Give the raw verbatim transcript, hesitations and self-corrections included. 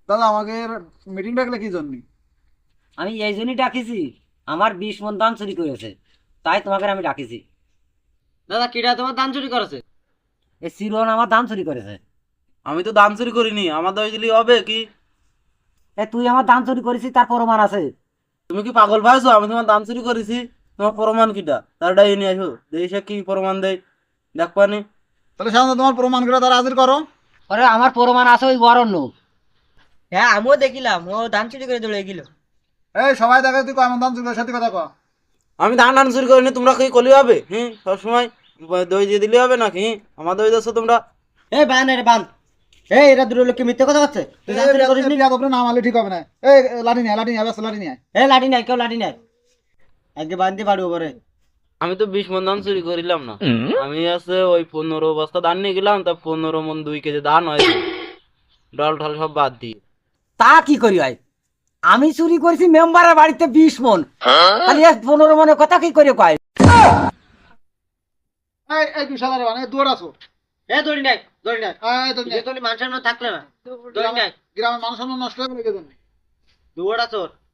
দাদা আমাকে মিটিং ডাকলে কি জন্য? আমি এই জন্যই ডাকিছি, আমার বিশ মন ধান চুরি করেছে, তাই তোমাকে আমি ডাকিছি। দাদা কিরা তোমার ধান চুরি করেছে? এই চিরন আমার ধান চুরি করেছে। আমি তো দান চুরি করিনি, আমার দোষ দিলি হবে কি? এ তুই আমার ধান চুরি করেছিস, তার প্রমাণ আছে। তুমি কি পাগল ভাইছো? আমি তোমার দান চুরি করেছি, তোমার প্রমাণ কিটা তার ডাই নিয়ে আসো, দেখি সে কি প্রমাণ দেয়, দেখবানি। তাহলে সাধারণত তোমার প্রমাণ করে তারা হাজির করো। আরে আমার প্রমাণ আছে ওই অরণ্য। হ্যাঁ আমিও দেখিলাম, ও ধান চুরি করে দৌড়ে গেল। এই সবাই দেখে তুই কয় মন ধান চুরি করে সত্যি কথা কয়। আমি ধান টান চুরি করিনি, তোমরা কি কলি হবে? হ্যাঁ, সবসময় দই দিয়ে দিলে হবে নাকি? হ্যাঁ, আমার দই দিচ্ছ তোমরা। এই বান রে বান, এই এরা দুটো লোককে মিথ্যে কথা বলছে। তুই ধান চুরি করিস নি? বিয়াদব নাম আলে ঠিক হবে না। এই লাঠি নিয়ে লাঠি নিয়ে ব্যস্ত লাঠি নিয়ে। এই লাঠি নাই, কেউ লাঠি নাই, আজকে বান্ধতে পারবো পরে। আমি তো বিশ মন ধান চুরি করিলাম না, আমি আছে ওই পনেরো বস্তা ধান নিয়ে গেলাম, তা পনেরো মন দুই কেজি ধান হয়েছে, ডাল ঢাল সব বাদ দিয়ে। তা কি করি হয়? আমি চুরি করেছি মেম্বারের বাড়িতে বিশ মন, তাহলে এ পনেরো মনের কথা কি করে কয়? এই এই তুই শালারে বান, এই দুয়ার আছো। এ দড়ি নাই, দড়ি নাই, এই তো যে তোর মানুষের মনে থাকলে না, দড়ি নাই, গ্রামের মানুষ নষ্ট হয়ে গেছে। দুয়াটা চোর।